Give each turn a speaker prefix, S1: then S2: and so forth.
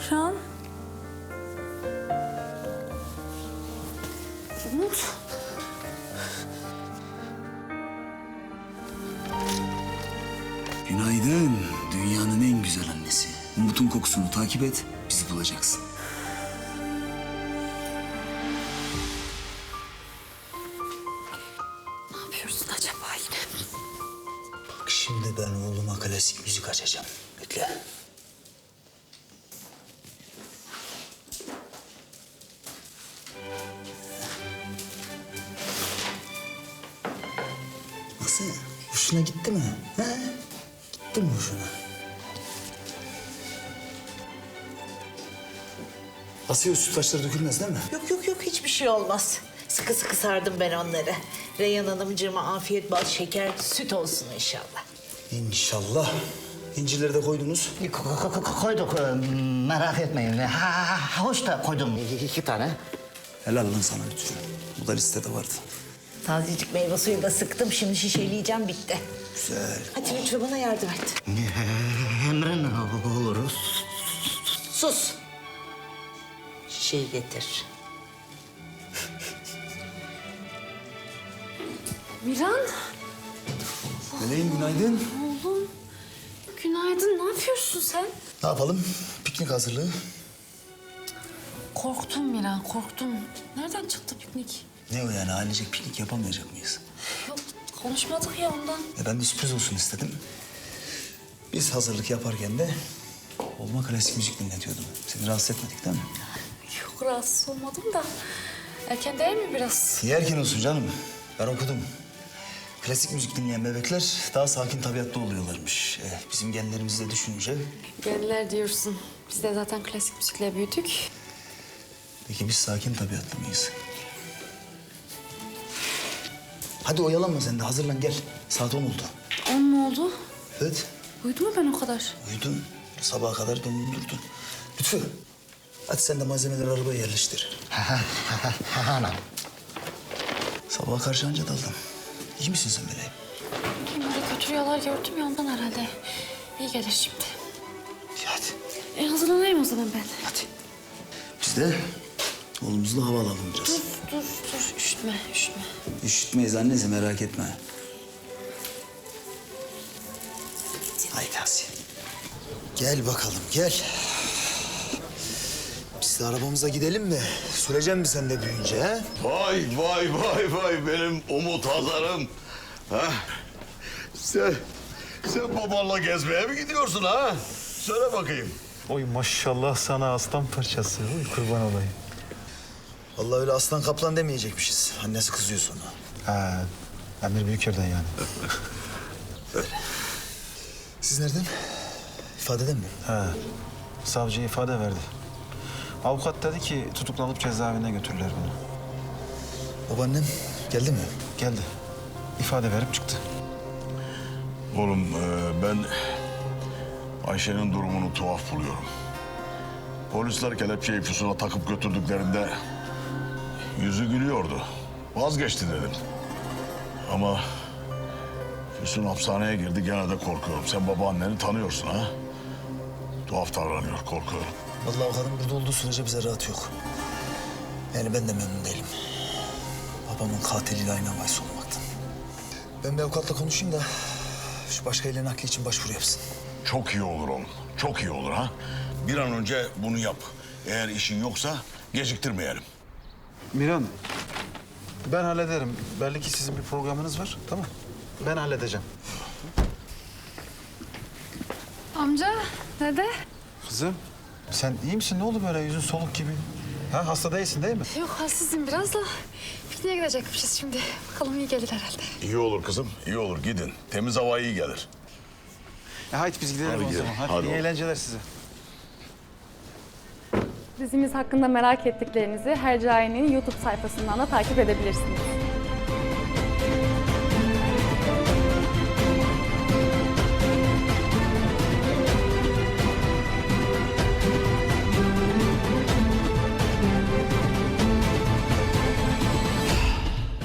S1: Miran. Umut.
S2: Günaydın. Dünyanın en güzel annesi. Umut'un kokusunu takip et, bizi bulacaksın.
S1: Ne yapıyorsun acaba yine?
S2: Bak şimdi ben oğluma klasik müzik açacağım. Bekle. Nasıl? Hoşuna gitti mi? He? Gitti mi hoşuna? Asiye sütlaçları dökülmez değil mi?
S3: Yok yok yok hiçbir şey olmaz. Sıkı sıkı sardım ben onları. Reyhan Hanımcığıma afiyet bal şeker süt olsun inşallah.
S2: İnşallah. İncileri de koydunuz.
S4: Koyduk, merak etmeyin. Hoş da koydum 2 tane.
S2: Helal lan sana Lütfü. Bu da listede vardı.
S3: Tazecik meyve suyu da sıktım. Şimdi şişeleyeceğim bitti.
S2: Güzel.
S3: Hadi lütfen bana yardım et.
S4: Emrin oluruz.
S3: Sus. Şişeyi getir.
S1: Miran.
S2: Meleğim günaydın.
S1: Oğlum. Günaydın. Ne yapıyorsun sen?
S2: Ne yapalım? Piknik hazırlığı.
S1: Korktum Miran, korktum. Nereden çıktı piknik?
S2: Ne o yani ailecek piknik yapamayacak mıyız?
S1: Yok, konuşmadık ya ondan.
S2: Ben de sürpriz olsun istedim. Biz hazırlık yaparken de oğluma klasik müzik dinletiyordum. Seni rahatsız etmedik değil mi?
S1: Yok, rahatsız olmadım da. Erken değil mi biraz?
S2: Niye erken olsun canım? Ben okudum. Klasik müzik dinleyen bebekler daha sakin tabiatlı oluyorlarmış. Bizim genlerimizi de düşününce...
S1: Genler diyorsun. Biz de zaten klasik müzikle büyüdük.
S2: Peki biz sakin tabiatlı mıyız? Hadi oyalanma sen de hazırlan gel. Saat 10 oldu.
S1: 10 mu oldu?
S2: Evet.
S1: Uyudum mu ben o kadar?
S2: Uyudun. Sabaha kadar döndün durdun. Lütfü. Hadi sen de malzemeleri arabaya yerleştir.
S4: Anam.
S2: Sabaha karşı anca daldın. İyi misin sen meleğim?
S1: Böyle kötü rüyalar gördüm ya ondan herhalde. İyi gelir şimdi.
S2: İyi hadi.
S1: Hazırlanayım o zaman ben.
S2: Hadi. Biz de oğlumuzla hava alalım biraz.
S1: Dur, üşütme.
S2: Üşütmeyiz annesi merak etme. Haydi Asiye. Gel bakalım gel. Biz de arabamıza gidelim mi? Süreceksin mi sen de büyüyünce ha?
S5: Vay benim Umut Hazar'ım. Ha? Sen babanla gezmeye mi gidiyorsun ha? Söyle bakayım.
S6: Oy maşallah sana aslan parçası. Oy kurban olayım.
S2: Vallahi öyle aslan kaplan demeyecekmişiz. Annesi kızıyor sonra.
S6: Ha, Emir Büyüker'den yani.
S2: Siz nereden? İfadeden mi?
S6: Ha, savcı ifade verdi. Avukat dedi ki tutuklanıp cezaevine götürürler bunu.
S2: Babaannem geldi mi?
S6: Geldi. İfade verip çıktı.
S5: Oğlum ben Ayşe'nin durumunu tuhaf buluyorum. Polisler kelepçeyi Füsun'a takıp götürdüklerinde yüzü gülüyordu. Vazgeçti dedim. Ama Füsun hapishaneye girdi gene de korkuyorum. Sen babaanneni tanıyorsun ha? Tuhaf davranıyor, korkuyorum.
S2: Vallahi o kadın burada olduğu sürece bize rahat yok. Yani ben de memnun değilim. Babamın katiliyle aynı havaysa olmaktan. Ben bir avukatla konuşayım da şu başka ile nakli için başvuru yapsın.
S5: Çok iyi olur oğlum. Çok iyi olur ha. Bir an önce bunu yap. Eğer işin yoksa geciktirmeyelim.
S6: Miran, ben hallederim. Belli ki sizin bir programınız var. Tamam. Ben halledeceğim.
S1: Amca, dede.
S6: Kızım, sen iyi misin? Ne oldu böyle yüzün soluk gibi? Ha, hasta değilsin değil mi?
S1: Yok, halsizim biraz da. Pikniğe gidecekmişiz şimdi. Bakalım iyi gelir herhalde.
S5: İyi olur kızım, iyi olur. Gidin. Temiz hava iyi gelir.
S6: Haydi biz gidelim
S5: Hadi
S6: o
S5: gidelim.
S6: zaman. Hadi,
S5: Hadi
S6: iyi
S5: oğlum.
S6: eğlenceler size.
S7: Dizimiz hakkında merak ettiklerinizi Hercai'nin YouTube sayfasından da takip edebilirsiniz.